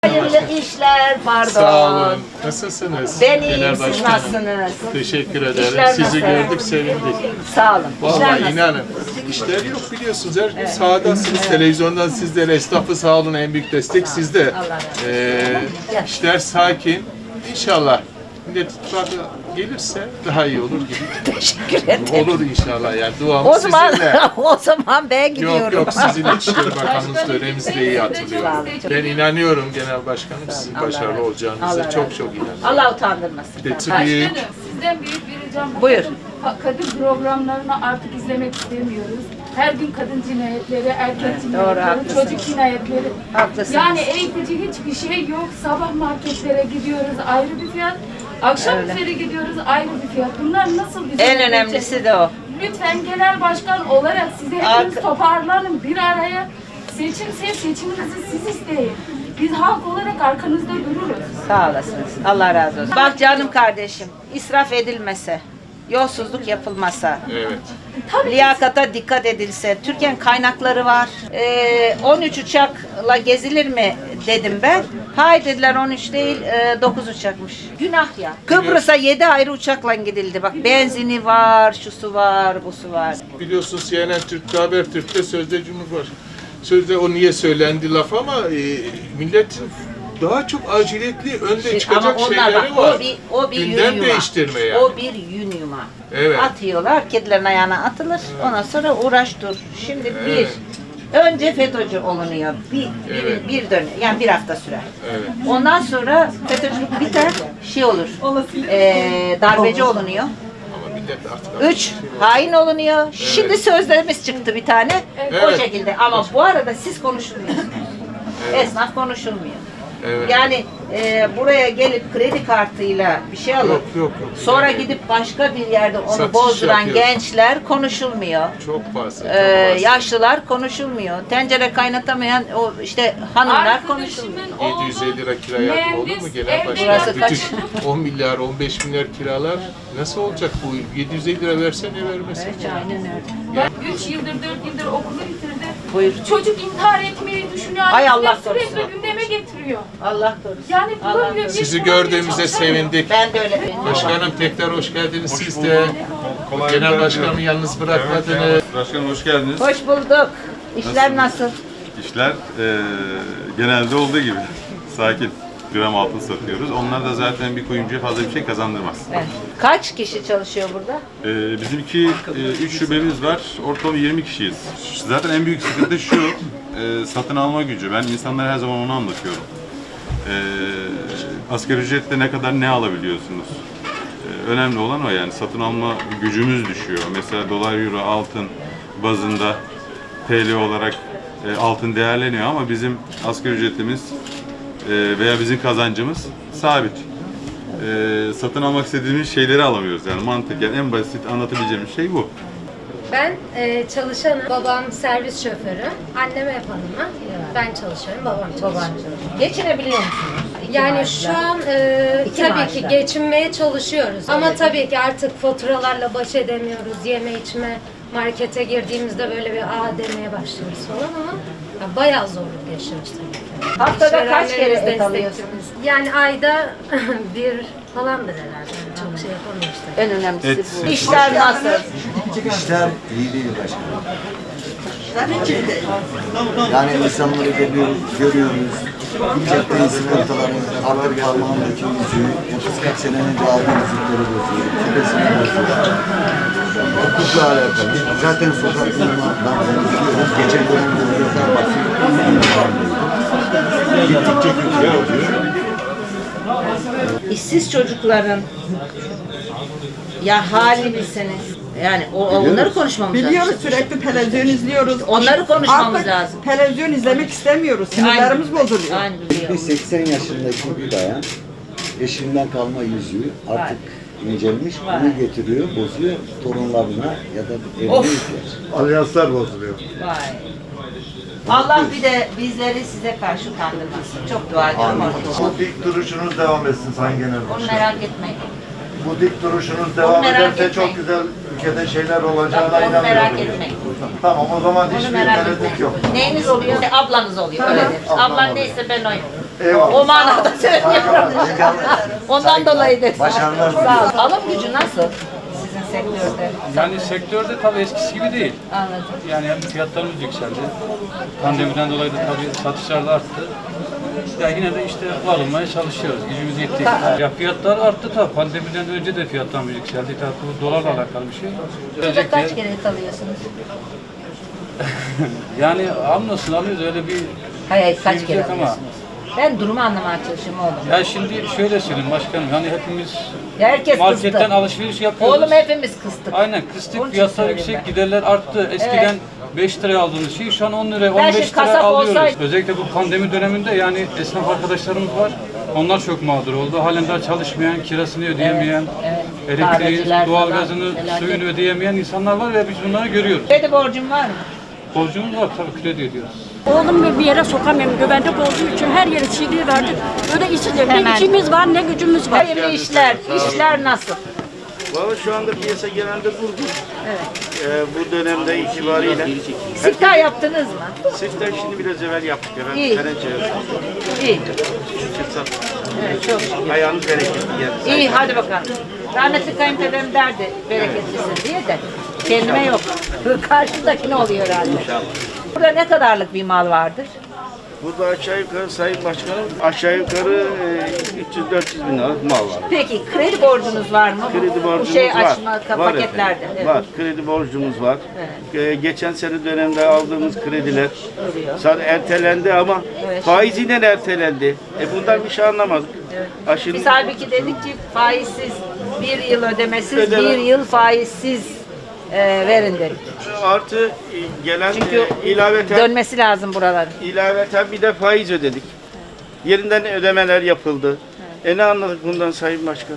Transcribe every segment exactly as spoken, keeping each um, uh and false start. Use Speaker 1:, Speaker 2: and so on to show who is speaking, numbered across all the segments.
Speaker 1: Hayırlı işler, pardon.
Speaker 2: Sağ olun. Nasılsınız?
Speaker 1: Ben iyiyim,
Speaker 2: Genel
Speaker 1: siz
Speaker 2: Başkanım.
Speaker 1: nasılsınız?
Speaker 2: Teşekkür ederim.
Speaker 1: İşler
Speaker 2: Sizi
Speaker 1: nasıl?
Speaker 2: gördük, sevindik.
Speaker 1: Sağ olun. İşler
Speaker 2: Vallahi
Speaker 1: nasıl?
Speaker 2: inanın. İşler yok biliyorsunuz. Her gün sahadasınız. Televizyondan sizlere, esnafı sağ olun, en büyük destek sizde.
Speaker 1: Allah razı olsun.
Speaker 2: Ee, işler sakin. İnşallah Millet İttifakı gelirse daha iyi olur gibi.
Speaker 1: Teşekkür ederim.
Speaker 2: Olur inşallah yani. Duamız
Speaker 1: O zaman
Speaker 2: sizinle.
Speaker 1: o zaman ben gidiyorum.
Speaker 2: Yok yok, sizin İçişleri Bakanınız döneminizde iyi hatırlıyorum.
Speaker 1: Sağ olun.
Speaker 2: Ben inanıyorum Genel Başkanım sizin
Speaker 1: Allah razı
Speaker 2: başarılı
Speaker 1: olsun.
Speaker 2: olacağınıza.
Speaker 1: Allah razı
Speaker 2: Çok
Speaker 1: olsun.
Speaker 2: çok inanıyorum.
Speaker 1: Allah utandırmasın.
Speaker 2: Betül
Speaker 1: Ha,
Speaker 2: Büyük.
Speaker 3: Başkanım, sizden büyük bir ricam. Bu
Speaker 1: Buyur.
Speaker 3: Kadın, ha- kadın programlarını artık izlemek istemiyoruz. Her gün kadın cinayetleri, erkek
Speaker 1: Evet, doğru,
Speaker 3: cinayetleri,
Speaker 1: haklısınız.
Speaker 3: çocuk cinayetleri.
Speaker 1: Haklısınız.
Speaker 3: Yani eğitici hiçbir şey yok. Sabah marketlere gidiyoruz ayrı bir fiyat. Akşam
Speaker 1: Öyle.
Speaker 3: üzeri gidiyoruz ayrı bir fiyat. Bunlar nasıl bizim
Speaker 1: En önemlisi de o.
Speaker 3: Lütfen genel başkan olarak size hepiniz
Speaker 1: Arka-
Speaker 3: toparlanın bir araya. Seçimse seçiminizi siz isteyin. Biz halk olarak arkanızda dururuz.
Speaker 1: Sağ olasınız. Allah razı olsun. Bak canım kardeşim, israf edilmese, yolsuzluk yapılmasa,
Speaker 2: Evet.
Speaker 1: liyakata dikkat edilse, Türkiye'nin kaynakları var. Ee, on üç uçakla gezilir mi dedim ben. Hayır dediler, on üç değil, e, dokuz uçakmış. Günah ya. Kıbrıs'a yedi ayrı uçakla gidildi. Bak benzini var, şusu var, busu var.
Speaker 2: Biliyorsunuz C N N Türk'te, Habertürk'te sözde Cumhurbaşkanı. Sözde o niye söylendi laf ama e, milletin daha çok aciliyetli önde çıkacak
Speaker 1: Ama onlar
Speaker 2: şeyleri
Speaker 1: bak,
Speaker 2: var.
Speaker 1: o bir, o bir
Speaker 2: Gündem
Speaker 1: yün yuma.
Speaker 2: değiştirme yani.
Speaker 1: O bir yün yuma.
Speaker 2: Evet.
Speaker 1: Atıyorlar, kedilerin ayağına atılır. Ondan sonra uğraş dur. Şimdi
Speaker 2: Evet.
Speaker 1: bir, önce FETÖ'cü olunuyor. Bir,
Speaker 2: Evet.
Speaker 1: bir, bir dönem, yani bir hafta sürer.
Speaker 2: Evet.
Speaker 1: Ondan sonra FETÖ'cülük biter, şey olur, ee, darbeci olunuyor.
Speaker 2: Ama millet artık...
Speaker 1: Üç, hain olunuyor. Şimdi sözlerimiz çıktı bir tane. O
Speaker 2: Evet.
Speaker 1: şekilde. Ama bu arada siz konuşulmuyorsunuz. Esnaf konuşulmuyor.
Speaker 2: Evet.
Speaker 1: Yani e, buraya gelip kredi kartıyla bir şey alıp
Speaker 2: Yok, yok, yok.
Speaker 1: sonra gidip başka bir yerde onu
Speaker 2: Satış
Speaker 1: bozduran
Speaker 2: yapıyor.
Speaker 1: gençler konuşulmuyor.
Speaker 2: Çok fazla, çok
Speaker 1: Ee,
Speaker 2: fazla.
Speaker 1: yaşlılar konuşulmuyor. Tencere kaynatamayan o işte hanımlar konuşulmuyor.
Speaker 3: Arkadaşımın
Speaker 2: yedi yüz elli lira
Speaker 3: oğlu
Speaker 2: kira yapma olur mu
Speaker 3: mühendis,
Speaker 2: genel
Speaker 3: evde
Speaker 2: başkan?
Speaker 1: Burası kaç?
Speaker 2: Bütün on milyar, on beş milyar kiralar nasıl olacak bu yıl? yedi yüz elli lira verse ne vermesin?
Speaker 1: Evet, aynen öyle.
Speaker 3: Bak üç yıldır, dört yıldır okulu bitirdi.
Speaker 1: Buyur.
Speaker 3: Çocuk intihar etmeyi düşünüyor.
Speaker 1: Ay
Speaker 3: Ailesine
Speaker 1: Allah
Speaker 3: sürekli
Speaker 1: korusun.
Speaker 3: gündeme getiriyor.
Speaker 1: Allah korusun.
Speaker 3: Yani
Speaker 1: Allah
Speaker 3: bulamıyor.
Speaker 1: korusun.
Speaker 2: Sizi gördüğümüzde sevindik.
Speaker 1: Ben de öyle.
Speaker 2: Başkanım tekrar hoş geldiniz siz de. Genel başkanımı yalnız bırakmadınız.
Speaker 4: Evet, Başkanım hoş geldiniz.
Speaker 1: Hoş bulduk. İşler nasıl?
Speaker 4: İşler eee, genelde olduğu gibi sakin. Gram altın satıyoruz. Onlar da zaten bir kuyumcuya fazla bir şey kazandırmaz.
Speaker 1: Evet. Kaç kişi çalışıyor burada?
Speaker 4: Eee bizimki üç şubemiz var. Ortalama yirmi kişiyiz. Zaten en büyük sıkıntı şu, eee, satın alma gücü. Ben insanlara her zaman onu anlatıyorum. Eee asgari ücretle ne kadar ne alabiliyorsunuz? Eee, önemli olan o yani. Satın alma gücümüz düşüyor. Mesela dolar, euro, altın bazında T L olarak e, altın değerleniyor ama bizim asgari ücretimiz e, veya bizim kazancımız sabit. E, satın almak istediğimiz şeyleri alamıyoruz yani mantıken en basit anlatabileceğimiz şey bu.
Speaker 5: Ben e, çalışanım. Babam servis şoförü. Annem ev hanımı. Ben çalışıyorum. Babam çalışıyor.
Speaker 1: Geçinebiliyor musunuz? İki
Speaker 5: Yani
Speaker 1: maaşla.
Speaker 5: şu an e,
Speaker 1: İki
Speaker 5: tabii
Speaker 1: maaşla.
Speaker 5: ki geçinmeye çalışıyoruz. Ama tabii ki artık faturalarla baş edemiyoruz. Yeme içme markete girdiğimizde böyle bir aa demeye başlıyoruz falan ama ya, bayağı zorluk yaşıyoruz tabii ki.
Speaker 1: Haftada kaç kere
Speaker 5: İşverenlerimiz
Speaker 1: et
Speaker 5: destekçimiz.
Speaker 1: alıyorsunuz?
Speaker 5: Yani ayda bir falandır herhalde. Çok şey yapamıyoruz tabii.
Speaker 1: En önemlisi
Speaker 4: Et.
Speaker 1: bu. İşler nasıl?
Speaker 6: İşler iyi değil başkanım. Yani insanları görüyoruz, görüyoruz. Cepten sıkıntıları, artık parmağındaki yüzüğü, otuz kırk sene önce aldığı yüzükleri bozuyor, küpesini bozuyor. Hukukla alakalı. Zaten sokaklardan konuşuyoruz. Geçen dönemde öğretmen bakıyor. Gittikçe kötü oluyor.
Speaker 1: İşsiz çocukların ya hali bilseniz. Yani o, o- onları konuşmamız
Speaker 7: Biliyoruz,
Speaker 1: lazım.
Speaker 7: sürekli televizyon izliyoruz.
Speaker 1: Onları konuşmamız
Speaker 7: Artık
Speaker 1: lazım.
Speaker 7: televizyon izlemek istemiyoruz. Sinirlerimiz
Speaker 1: Aynı-
Speaker 7: bozuluyor.
Speaker 1: Aynı
Speaker 6: Bir
Speaker 1: biliyorum.
Speaker 6: seksen yaşındaki bir bayan eşinden kalma yüzüğü artık incelmiş, bunu getiriyor, bozuyor torunlarına ya da evine
Speaker 1: Of.
Speaker 6: ihtiyaç.
Speaker 8: Alyanslar bozuluyor.
Speaker 1: Vay. Allah bir de bizleri size karşı kandırmasın. Çok dua ediyorum orada.
Speaker 8: Bu dik duruşunuz devam etsin Sayın Genel
Speaker 1: Onu
Speaker 8: Başkan.
Speaker 1: merak etmeyin.
Speaker 8: Bu dik duruşunuz devam
Speaker 1: merak
Speaker 8: ederse
Speaker 1: etmeyin.
Speaker 8: çok güzel ülkede şeyler olacağına
Speaker 1: Onu
Speaker 8: inanıyorum.
Speaker 1: merak etmeyin.
Speaker 8: Tamam o zaman
Speaker 1: Onu
Speaker 8: hiçbir
Speaker 1: merak
Speaker 8: tereddüt
Speaker 1: etmeyin.
Speaker 8: yok.
Speaker 1: Neyiniz oluyor? Ablanız oluyor. Öyle deriz.
Speaker 8: Ablam
Speaker 1: Ablan
Speaker 8: oluyor.
Speaker 1: neyse ben oyum.
Speaker 8: Eyvallah.
Speaker 1: O manada söylüyorum. Ondan dolayı dedim.
Speaker 6: Başarılar
Speaker 1: Sağ ol. Alım gücü nasıl sizin sektörde?
Speaker 9: Yani sektörde tabii eskisi gibi değil.
Speaker 1: Anladım.
Speaker 9: Yani hem fiyatlarımız yükseldi. Pandemiden dolayı da tabii satışlar da arttı. Ya yine de işte alınmaya çalışıyoruz. Gücümüz yettiği kadar. Ya fiyatlar arttı tabii. Pandemiden önce de fiyatlarımız yükseldi. Tabii bu dolarla alakalı bir şey.
Speaker 1: Şurada kaç kere alıyorsunuz?
Speaker 9: Yani hamdolsun alıyoruz öyle bir
Speaker 1: Hayır, hayır kaç
Speaker 9: şey
Speaker 1: kere
Speaker 9: yok ama.
Speaker 1: alıyorsunuz? Ben durumu anlamaya çalışıyorum oğlum.
Speaker 9: Ya şimdi şöyle söyleyeyim başkanım. Yani hepimiz
Speaker 1: Ya herkes
Speaker 9: marketten
Speaker 1: kıstı.
Speaker 9: alışveriş yapıyoruz.
Speaker 1: Oğlum hepimiz kıstık.
Speaker 9: Aynen
Speaker 1: Onun
Speaker 9: kıstık
Speaker 1: için
Speaker 9: fiyatlar
Speaker 1: söyleyeyim
Speaker 9: yüksek,
Speaker 1: ben.
Speaker 9: giderler arttı. Eskiden beş liraya aldığımız şeyi şu an on liraya,
Speaker 1: Ben
Speaker 9: on
Speaker 1: şimdi
Speaker 9: beş liraya
Speaker 1: kasap
Speaker 9: alıyoruz.
Speaker 1: olsaydım-
Speaker 9: Özellikle bu pandemi döneminde yani esnaf arkadaşlarımız var. Onlar çok mağdur oldu. Halen daha çalışmayan, kirasını ödeyemeyen,
Speaker 1: evet.
Speaker 9: elektriği,
Speaker 1: Kahveciler
Speaker 9: doğalgazını,
Speaker 1: falan, felaket.
Speaker 9: suyunu ödeyemeyen insanlar var ve biz bunları görüyoruz.
Speaker 1: Kredi borcum var mı?
Speaker 9: Borcumuz var tabii kredi ödüyoruz.
Speaker 10: Oğlum bir yere sokamıyorum. Güvenlik olduğu için her yere C D verdik. Öyle işsizim. Ne
Speaker 1: Hemen.
Speaker 10: işimiz var ne gücümüz var.
Speaker 1: Hayırlı işler. İşler nasıl?
Speaker 11: Valla şu anda piyasa genelde durgun. Ee, bu dönemde itibariyle.
Speaker 1: Siftah yaptınız mı?
Speaker 11: Siftah şimdi biraz evvel yaptık. Efendim.
Speaker 1: İyi.
Speaker 11: Teneccühe
Speaker 1: İyi.
Speaker 11: şükür sattık.
Speaker 1: Evet, çok şükür.
Speaker 11: Ayağınız bereketli geldi.
Speaker 1: İyi hadi bakalım. Rahmetli kayınpederim derdi bereketlisin diye de kendime yok. Karşıdakine oluyor herhalde.
Speaker 11: İnşallah.
Speaker 1: Burada ne kadarlık bir mal vardır?
Speaker 11: Burada aşağı yukarı Sayın Başkanım aşağı yukarı e, üç yüz dört yüz bin liralık mal var.
Speaker 1: Peki kredi borcunuz var mı?
Speaker 11: Kredi
Speaker 1: Bu
Speaker 11: borcumuz
Speaker 1: şey
Speaker 11: var.
Speaker 1: açma
Speaker 11: Var
Speaker 1: paketlerde.
Speaker 11: efendim,
Speaker 1: Evet.
Speaker 11: Var. Kredi borcumuz var. Ee, geçen sene dönemde aldığımız krediler sadece ertelendi ama
Speaker 1: Evet.
Speaker 11: faiziyle ertelendi. E bundan bir şey anlamadık. Ha, şimdi-
Speaker 1: Biz halbuki dedik ki faizsiz bir yıl ödemesiz,
Speaker 11: Ödeme.
Speaker 1: bir yıl faizsiz e, verin dedik.
Speaker 11: Artı e, gelen
Speaker 1: Çünkü
Speaker 11: e, ilaveten,
Speaker 1: dönmesi lazım buraların.
Speaker 11: ilaveten bir de faiz ödedik. Yerinden ödemeler yapıldı. E ne anladık bundan Sayın Başkan?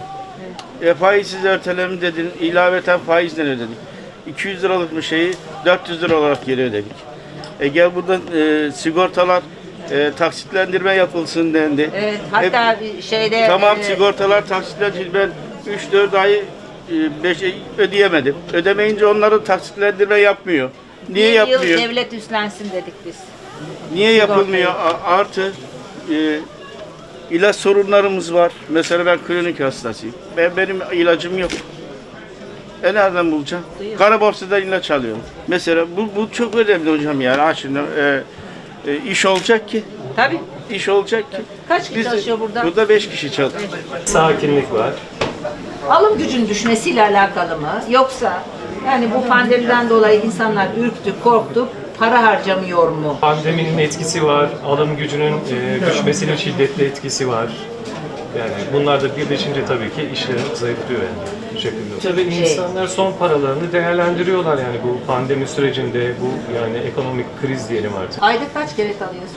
Speaker 11: E, faizsiz erteleme dedin, ilaveten faizden ödedik. iki yüz liralık bir şeyi dört yüz lira olarak geri ödedik. E gel buradan e, sigortalar e, taksitlendirme yapılsın dendi.
Speaker 1: Evet, hatta bir şeyde
Speaker 11: Tamam
Speaker 1: e,
Speaker 11: sigortalar taksitlendirme ben üç dört ayı beş ödeyemedim. Ödemeyince onların taksitlendirme yapmıyor. Niye
Speaker 1: bir yıl
Speaker 11: yapmıyor?
Speaker 1: devlet üstlensin dedik biz.
Speaker 11: Niye yapılmıyor? A- Artı e, ilaç sorunlarımız var. Mesela ben kronik hastasıyım. Ben benim ilacım yok. E nereden bulacağım? Kara borsadan ilaç alıyorum. Mesela bu, bu çok önemli hocam yani. Ha şimdi e, e, iş olacak ki.
Speaker 1: Tabii.
Speaker 11: İş olacak ki.
Speaker 1: Kaç kişi çalışıyor burada?
Speaker 11: Burada beş kişi çalışıyor.
Speaker 12: Sakinlik var.
Speaker 1: Alım gücün düşmesiyle alakalı mı? Yoksa yani bu pandemiden dolayı insanlar ürktü, korktu, para harcamıyor mu?
Speaker 12: Pandeminin etkisi var. Alım gücünün e, düşmesinin şiddetli etkisi var. Yani bunlar da birleşince tabii ki işler zayıflıyor yani bu şekilde. Tabii
Speaker 1: Şey-
Speaker 12: insanlar son paralarını değerlendiriyorlar yani bu pandemi sürecinde, bu yani ekonomik kriz diyelim artık.
Speaker 1: Ayda kaç kere alıyorsun?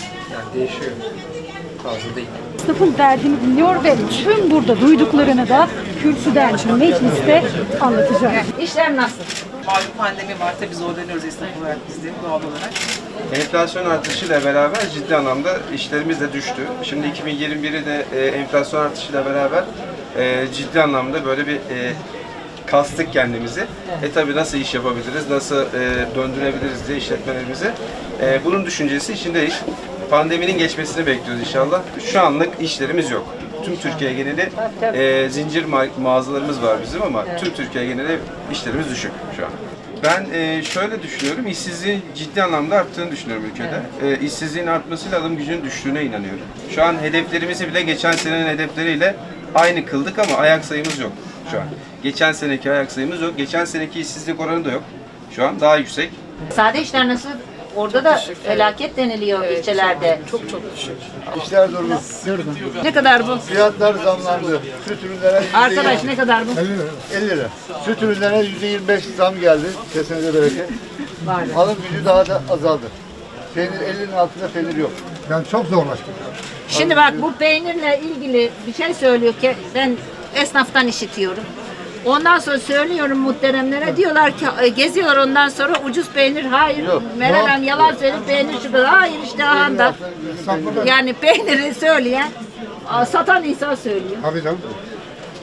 Speaker 10: Esnafın derdini dinliyor ve tüm burada duyduklarını da kürsüden, mecliste anlatacak.
Speaker 1: İşler nasıl?
Speaker 13: Malum pandemi var, tabii zorlanıyoruz esnaf olarak biz de doğal olarak.
Speaker 14: Enflasyon artışıyla beraber ciddi anlamda işlerimiz de düştü. Şimdi iki bin yirmi biri de e, enflasyon artışıyla beraber e, ciddi anlamda böyle bir e, kastık kendimizi. E tabii nasıl iş yapabiliriz, nasıl e, döndürebiliriz diye işletmelerimizi. E, bunun düşüncesi içindeyiz. Pandeminin geçmesini bekliyoruz inşallah. Şu anlık işlerimiz yok. Tüm Türkiye geneli e, zincir ma- mağazalarımız var bizim ama tüm Türkiye geneli işlerimiz düşük şu an. Ben e, şöyle düşünüyorum, işsizliğin ciddi anlamda arttığını düşünüyorum ülkede. E, işsizliğin artmasıyla alım gücünün düştüğüne inanıyorum. Şu an hedeflerimizi bile geçen senenin hedefleriyle aynı kıldık ama ayak sayımız yok şu an. Geçen seneki ayak sayımız yok, geçen seneki işsizlik oranı da yok. Şu an daha yüksek.
Speaker 1: Sade işler nasıl? Orada da felaket deniliyor ilçelerde.
Speaker 13: Çok çok düşük.
Speaker 8: İşler durgun.
Speaker 1: Durgun. Ne kadar bu?
Speaker 8: Fiyatlar zamlandı. Süt ürünlerine
Speaker 1: Arkadaş ne kadar bu?
Speaker 8: elli lira. Süt ürünlerine yüzde yirmi beş zam geldi. Kesene bereket.
Speaker 1: Var.
Speaker 8: Alım gücü daha da azaldı. Peynir ellinin altında peynir yok. Yani çok zorlaştı.
Speaker 1: Şimdi bak bu peynirle ilgili bir şey söylüyor ki ben esnaftan işitiyorum. Ondan sonra söylüyorum muhteremlere diyorlar ki e, geziyorlar ondan sonra ucuz peynir hayır
Speaker 8: Yok.
Speaker 1: Meral Hanım yalan söyleyip peynir şurada hayır işte ahanda. Yani peyniri söyleyen a, satan insan söylüyor.
Speaker 8: Tabii canım.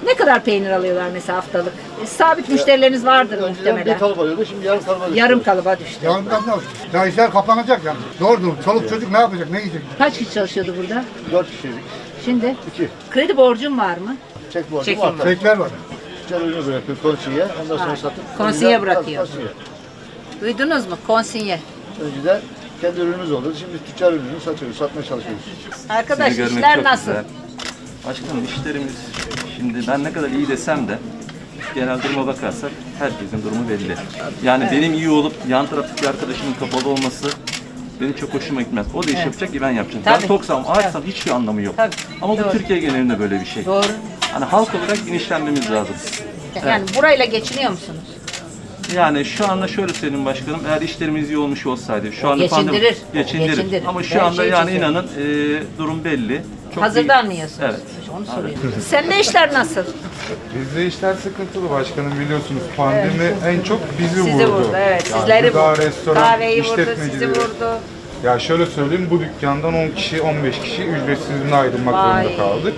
Speaker 1: Ne kadar peynir alıyorlar mesela haftalık? E, sabit müşterileriniz vardır
Speaker 8: Önceden
Speaker 1: muhtemelen.
Speaker 8: bir kalıp alıyordu, şimdi yarım kalıba düştü.
Speaker 1: Yarım kalıba düştü.
Speaker 8: Yarım kalıba düştü. Ya işler kapanacak yani. Doğrudur. Çoluk çocuk ne yapacak, ne yiyecek?
Speaker 1: Kaç kişi çalışıyordu burada?
Speaker 8: Dört kişiydik.
Speaker 1: Şimdi?
Speaker 8: İki.
Speaker 1: Kredi borcun var mı?
Speaker 8: Çek borcu
Speaker 1: Çekim
Speaker 8: var.
Speaker 1: var.
Speaker 8: Çekler var. Tüccar ürünü bırakıyor konsiye. Ondan sonra
Speaker 1: Ha,
Speaker 8: satıp.
Speaker 1: konsiye
Speaker 8: önceden-
Speaker 1: bırakıyor.
Speaker 8: Konsiye.
Speaker 1: Duydunuz mu? Konsinye.
Speaker 8: Önceden kendi ürünümüz oldu. Şimdi tüccar ürünü satıyoruz, satmaya çalışıyoruz.
Speaker 1: Arkadaş
Speaker 15: Sizi görmek
Speaker 1: işler
Speaker 15: çok
Speaker 1: nasıl?
Speaker 15: güzel. Başkanım işlerimiz şimdi ben ne kadar iyi desem de genel duruma bakarsak herkesin durumu belli. Yani
Speaker 1: Evet.
Speaker 15: benim iyi olup yan taraftaki arkadaşımın kapalı olması benim çok hoşuma gitmez. O da iş
Speaker 1: Evet.
Speaker 15: yapacak ki ben yapacağım.
Speaker 1: Tabii.
Speaker 15: Ben toksam, açsam hiçbir anlamı yok.
Speaker 1: Tabii.
Speaker 15: Ama
Speaker 1: Doğru.
Speaker 15: bu Türkiye genelinde böyle bir şey.
Speaker 1: Doğru.
Speaker 15: Hani halk olarak bilinçlenmemiz lazım.
Speaker 1: Yani burayla geçiniyor musunuz?
Speaker 15: Yani şu anda şöyle söyleyeyim başkanım, eğer işlerimiz iyi olmuş olsaydı, şu anda
Speaker 1: Geçindirir.
Speaker 15: pandemi- geçindirir.
Speaker 1: Geçindirir.
Speaker 15: Ama
Speaker 1: Ben
Speaker 15: şu anda
Speaker 1: şey
Speaker 15: yani
Speaker 1: çiziyorum.
Speaker 15: inanın e, durum belli. Çok
Speaker 1: Hazırdan
Speaker 15: iyi.
Speaker 1: mı yiyorsunuz?
Speaker 15: Evet.
Speaker 1: Onu soruyorum. Senin işler nasıl?
Speaker 16: Bizde işler sıkıntılı başkanım, biliyorsunuz pandemi en çok bizi
Speaker 1: Sizi
Speaker 16: vurdu.
Speaker 1: vurdu, evet.
Speaker 16: Yani
Speaker 1: Sizleri
Speaker 16: gıda,
Speaker 1: vurdu.
Speaker 16: restoran,
Speaker 1: Kahveyi vurdu, sizi
Speaker 16: işletmecileri.
Speaker 1: vurdu.
Speaker 16: Ya şöyle söyleyeyim, bu dükkandan on kişi, on beş kişi ücretsiz izne ayrılmak
Speaker 1: Vay.
Speaker 16: zorunda kaldık.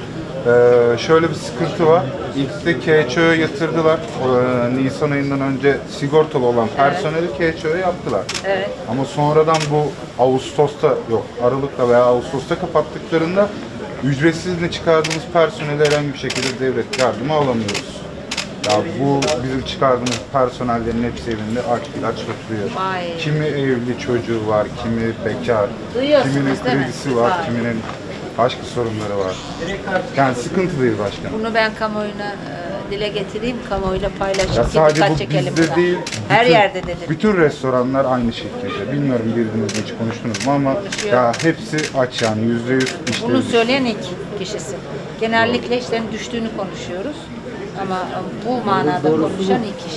Speaker 16: Ee, şöyle bir sıkıntı var. İlk de K Ç O'ya yatırdılar. Ee, Nisan ayından önce sigortalı olan personeli K Ç O'ya yaptılar.
Speaker 1: Evet.
Speaker 16: Ama sonradan bu Ağustos'ta yok, Aralık'ta veya Ağustos'ta kapattıklarında ücretsiz izne çıkardığımız personeli herhangi bir şekilde devlet yardımı alamıyoruz. Ya bu bizim çıkardığımız personellerin hepsi evinde aç ilaç oturuyor.
Speaker 1: Vay.
Speaker 16: Kimi evli çocuğu var, kimi bekar,
Speaker 1: Duyuyorsunuz
Speaker 16: kiminin
Speaker 1: değil mi?
Speaker 16: kredisi var,
Speaker 1: Vay.
Speaker 16: kiminin başka sorunları var. Yani sıkıntılıyız başkanım.
Speaker 1: Bunu ben kamuoyuna e, dile getireyim, kamuoyuyla paylaşayım
Speaker 16: Ya
Speaker 1: ki
Speaker 16: sadece
Speaker 1: dikkat
Speaker 16: bu
Speaker 1: çekelim
Speaker 16: bizde
Speaker 1: buna.
Speaker 16: değil,
Speaker 1: Her
Speaker 16: bütün-
Speaker 1: yerde dedi.
Speaker 16: Bütün restoranlar aynı şekilde. Bilmiyorum birbirinizle hiç konuştunuz mu ama
Speaker 1: Konuşuyor.
Speaker 16: ya hepsi aç yani yüzde yüz işleri.
Speaker 1: Bunu söyleyen ilk kişisi. Genellikle işlerin düştüğünü konuşuyoruz. Ama bu manada konuşan ilk kişi.